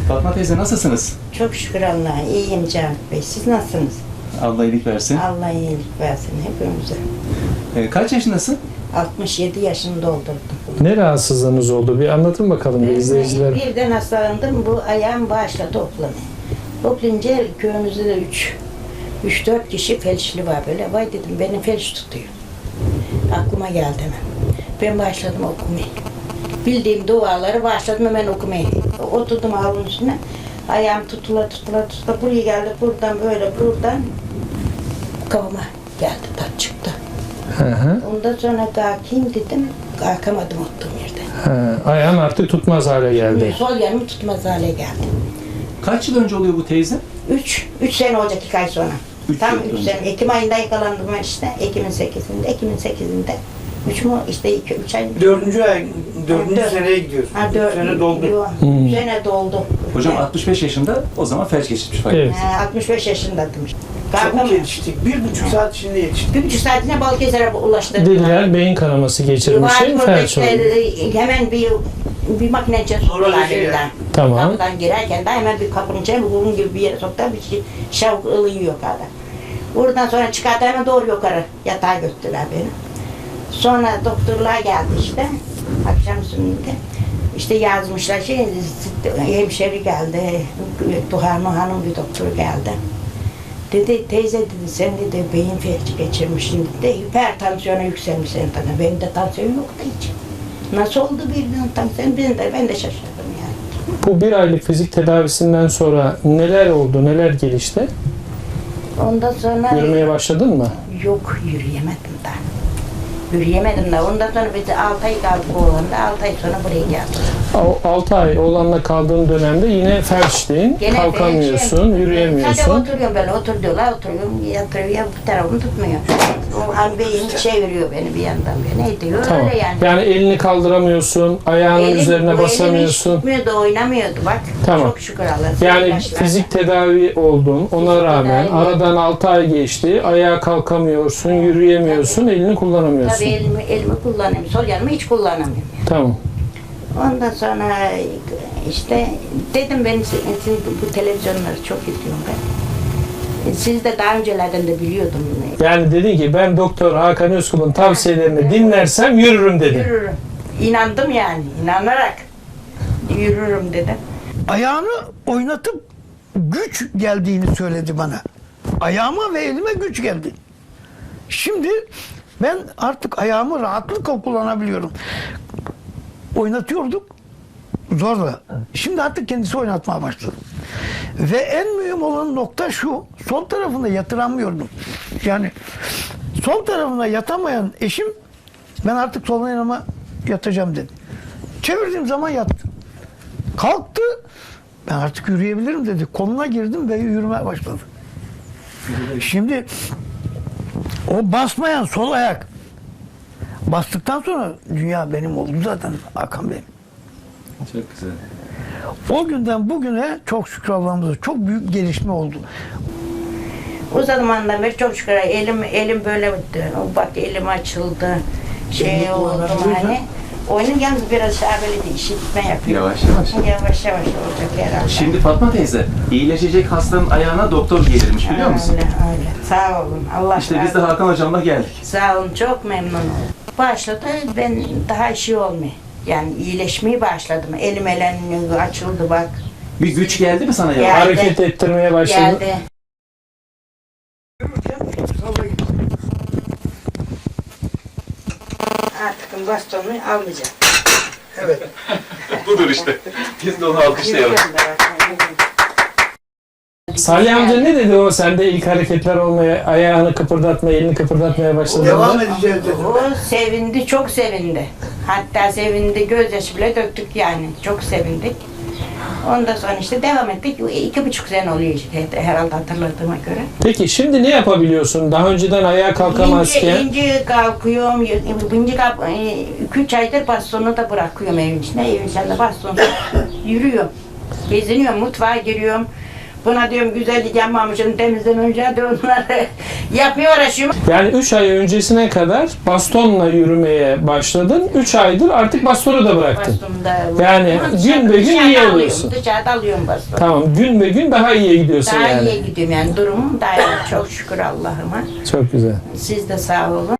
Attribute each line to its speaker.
Speaker 1: Fatma teyze nasılsınız?
Speaker 2: Çok şükür Allah'a. İyiyim Cavit Bey. Siz nasılsınız?
Speaker 1: Allah iyilik versin.
Speaker 2: Allah iyilik versin hepimize.
Speaker 1: Kaç yaşındasın?
Speaker 2: 67 yaşını doldurdum.
Speaker 3: Ne rahatsızlığınız oldu? Bir anlatın bakalım izleyiciler.
Speaker 2: Birden hastalandım. Bu ayağım başladı toplamaya. Toplayınca köyümüzde de 3-4 kişi felçli var böyle. Vay dedim beni felç tutuyor. Aklıma geldi hemen. Ben başladım okumaya. Bildiğim duaları başladım hemen okumaya. Oturdum havlunun üstüne. Ayağım tutula buraya geldi. Buradan böyle buradan kafama geldi. Tat çıktı.
Speaker 3: Hı hı.
Speaker 2: Ondan sonra kalkayım dedim. Kalkamadım oturduğum yerden.
Speaker 3: Ayağın artık tutmaz hale geldi.
Speaker 2: Sol yanım tutmaz hale geldi.
Speaker 1: Kaç yıl önce oluyor bu teyze?
Speaker 2: 3 sene olacak 2 ay sonra. Tam
Speaker 1: yıl
Speaker 2: 3
Speaker 1: önce.
Speaker 2: sene. Ekim ayında yakalandım ben işte. Ekim'in 8'inde. 3 mü işte 3 ay.
Speaker 4: Dördüncü
Speaker 2: Dört.
Speaker 4: seneye gidiyoruz.
Speaker 2: Ha,
Speaker 4: Üç sene doldu.
Speaker 2: Yok, 3 sene doldu.
Speaker 1: Hocam 65 yaşında o zaman felç geçirmiş fark.
Speaker 3: Evet.
Speaker 2: 65 yaşındaydım işte.
Speaker 4: Çabuk
Speaker 2: Kalkamıyorum.
Speaker 4: yetiştik. 1,5 saat içinde yetiştik.
Speaker 2: 1,5 saatine Balıkesir'e ulaştı.
Speaker 3: Diller beyin kanaması geçirmiş değil mi felç oldu?
Speaker 2: Hemen bir makine sorular
Speaker 4: Uroloji
Speaker 2: elinden.
Speaker 3: Tamam.
Speaker 2: Kapıdan girerken de hemen bir kapının içine bir burun gibi bir yere soktu. Bir şey, şavuk ılıyor yukarıda. Oradan sonra çıkarttı hemen doğru yukarı yatağa götürdüler beni. Sonra doktorlar geldi işte. Akşam üstünde. İşte yazmışlar hemşeri geldi. Duhan Hanım bir doktor geldi. Dedi teyze dedi sen dedi beyin felci geçirmişsin dedi. Hipertansiyona yükselmiş senin tabii. Benim de tansiyon yoktu hiç. Nasıl oldu birden tansiyon? Ben de şaşırdım yani.
Speaker 3: Bu bir aylık fizik tedavisinden sonra neler oldu, neler gelişti?
Speaker 2: Ondan sonra
Speaker 3: Yürümeye başladın mı?
Speaker 2: yok yürüyemedim daha. Yürüyemedim daha. Ondan sonra biz 6 ay kaldık oğlanda. 6 ay sonra buraya geldik.
Speaker 3: 6 ay oğlanla kaldığın dönemde yine felçliğin,
Speaker 2: Gene
Speaker 3: kalkamıyorsun,
Speaker 2: Sadece
Speaker 3: yürüyemiyorsun.
Speaker 2: oturuyorum böyle otur diyorlar oturuyorum yatırıyor bu tarafımı tutmuyor. O an beyin çeviriyor beni bir yandan beni ediyor
Speaker 3: Tamam.
Speaker 2: öyle yani.
Speaker 3: Yani elini kaldıramıyorsun, ayağının üzerine basamıyorsun.
Speaker 2: Elim hiç tutmuyordu oynamıyordu bak.
Speaker 3: Tamam.
Speaker 2: Çok şükür Allah'a.
Speaker 3: Yani
Speaker 2: İlaçlar.
Speaker 3: fizik tedavi oldun, ona
Speaker 2: Fizik
Speaker 3: rağmen
Speaker 2: tedavi.
Speaker 3: aradan 6 ay geçti, ayağa kalkamıyorsun, yürüyemiyorsun, elini kullanamıyorsun.
Speaker 2: Tabii elimi kullanıyorum. Sol yanımı hiç kullanamıyorum.
Speaker 3: Tamam.
Speaker 2: Ondan sonra işte dedim ben sizin bu televizyonları çok izliyorum ben. Siz de daha öncelerden de biliyordum.
Speaker 3: Yani dedin ki ben Doktor Hakan Özkul'un tavsiyelerini dinlersem yürürüm dedin.
Speaker 2: Yürürüm. İnandım yani. İnanarak yürürüm dedim.
Speaker 4: Ayağını oynatıp güç geldiğini söyledi bana. Ayağıma ve elime güç geldi. Şimdi ben artık ayağımı rahatlıkla kullanabiliyorum. Oynatıyorduk zorla. Şimdi artık kendisi oynatmaya başladı. Ve en mühim olan nokta şu, sol tarafına yatıramıyordum. Yani sol tarafına yatamayan eşim, ben artık sol yanıma yatacağım dedi. Çevirdiğim zaman yattı. Kalktı, ben artık yürüyebilirim dedi. Koluna girdim ve yürümeye başladı. Şimdi o basmayan sol ayak bastıktan sonra dünya benim oldu zaten Hakan Bey.
Speaker 1: Çok güzel.
Speaker 4: O günden bugüne çok şükür Allah'ımıza çok büyük gelişme oldu.
Speaker 2: O zamandan beri çok şükür elim böyle bak elim açıldı. Şey oldu hani. Oyunun yalnız biraz daha böyle de işitme yapıyor.
Speaker 1: Yavaş yavaş.
Speaker 2: Yavaş yavaş olacak herhalde.
Speaker 1: Şimdi Fatma teyze iyileşecek hastanın ayağına doktor gelirmiş biliyor musun?
Speaker 2: Öyle. Sağ olun. Allah
Speaker 1: İşte biz
Speaker 2: razı
Speaker 1: de
Speaker 2: olsun.
Speaker 1: Hakan hocamla geldik.
Speaker 2: Sağ olun. Çok memnun oldum. Başladı. Ben daha şey olmuyor. Yani iyileşmeye başladım. Elim açıldı bak.
Speaker 1: Bir güç geldi mi sana ya?
Speaker 2: Geldi.
Speaker 3: Hareket ettirmeye başladın.
Speaker 2: Geldi. Artık bastonu almayacağım.
Speaker 1: Budur işte. Biz de onu alkışlayalım.
Speaker 3: Salih amca ne dedi o sende ilk hareketler olmaya, ayağını kıpırdatmaya, elini kıpırdatmaya başladığında?
Speaker 4: Devam edeceğiz dedi.
Speaker 2: O sevindi, çok sevindi. Hatta sevindi, gözyaşı bile döktük yani. Çok sevindik. Ondan sonra işte devam ettik. 2,5 sene oluyor işte herhalde hatırladığıma göre.
Speaker 3: Peki şimdi ne yapabiliyorsun? Daha önceden ayağa kalkamazken.
Speaker 2: İnce kalkıyorum. 2-3 aydır bastonu da bırakıyorum evin içine. Evin içinde bastonu yürüyorum. Geziniyorum, mutfağa giriyorum. Buna diyorum güzellik yapmamışım, temizlememişim, diyorum bunları yapmıyor uğraşıyorum.
Speaker 3: Yani 3 ay öncesine kadar bastonla yürümeye başladın. 3 aydır artık bastonu da bıraktın.
Speaker 2: Bastonda.
Speaker 3: Yani
Speaker 2: Ama
Speaker 3: gün be gün
Speaker 2: dışarıda
Speaker 3: iyi
Speaker 2: alıyorum,
Speaker 3: oluyorsun.
Speaker 2: Dışarıda alıyorum bastonu.
Speaker 3: Tamam, gün be gün daha iyiye gidiyorsun
Speaker 2: Daha
Speaker 3: yani.
Speaker 2: iyiye gidiyorum yani, durumum daha iyi. Çok şükür Allah'ıma.
Speaker 3: Çok güzel.
Speaker 2: Siz de sağ olun.